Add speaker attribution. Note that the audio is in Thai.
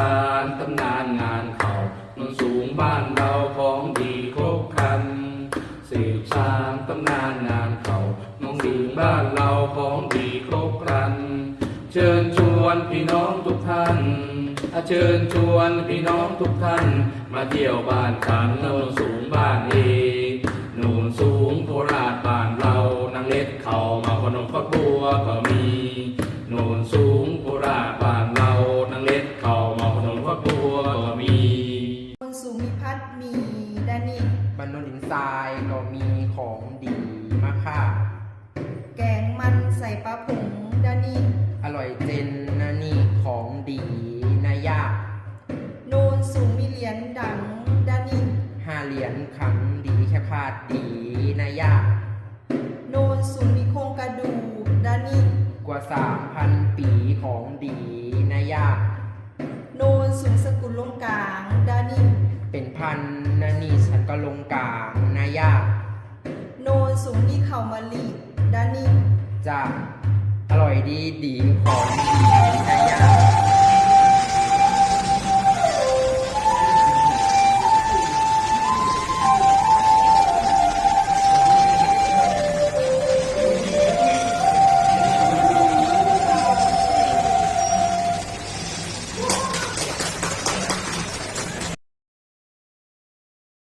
Speaker 1: านตำนานงานเขาโนนสูงบ้านเราของดีครบครันสืบสานตำนานงานเขาโนนสูงบ้านเราของดีครบครันเชิญชวนพี่น้องทุกท่านเชิญชวนพี่น้องทุกท่านมาเที่ยวบ้านฉันโนนสูงบ้านเองโนนสูงโคราชบ้านเรานางเล็ดเขามาพนมฟักบัวก็มีโนนสูงโคราชบ้านเรานางเล็ดเขามาพนมฟักบัวก็มี
Speaker 2: โนนสูงมีพัดมีดานิ
Speaker 3: บ้านโนนดินทรายก็มีของดีมากค่ะ
Speaker 2: แกงมันใส่ปลาผงดานิ
Speaker 3: อร่อยเจนนะนี่ของดีนะยาก
Speaker 2: โนนสูงมีเหรียญดังดานิ
Speaker 3: 5 เหรียญขังดีแค่พาดดีนะยาก
Speaker 2: โนนสูงมีโครงกระดูกดานิ
Speaker 3: กว่า 3,000 ปีของดีนะยาก
Speaker 2: โนนสูงสกุลลงกลางดานิ
Speaker 3: เป็นพันนะนี่ฉันก็ลงกลางนะยาก
Speaker 2: โนนสูงมีเข่ามะลิดานิ
Speaker 3: จะอร่อยดีของดี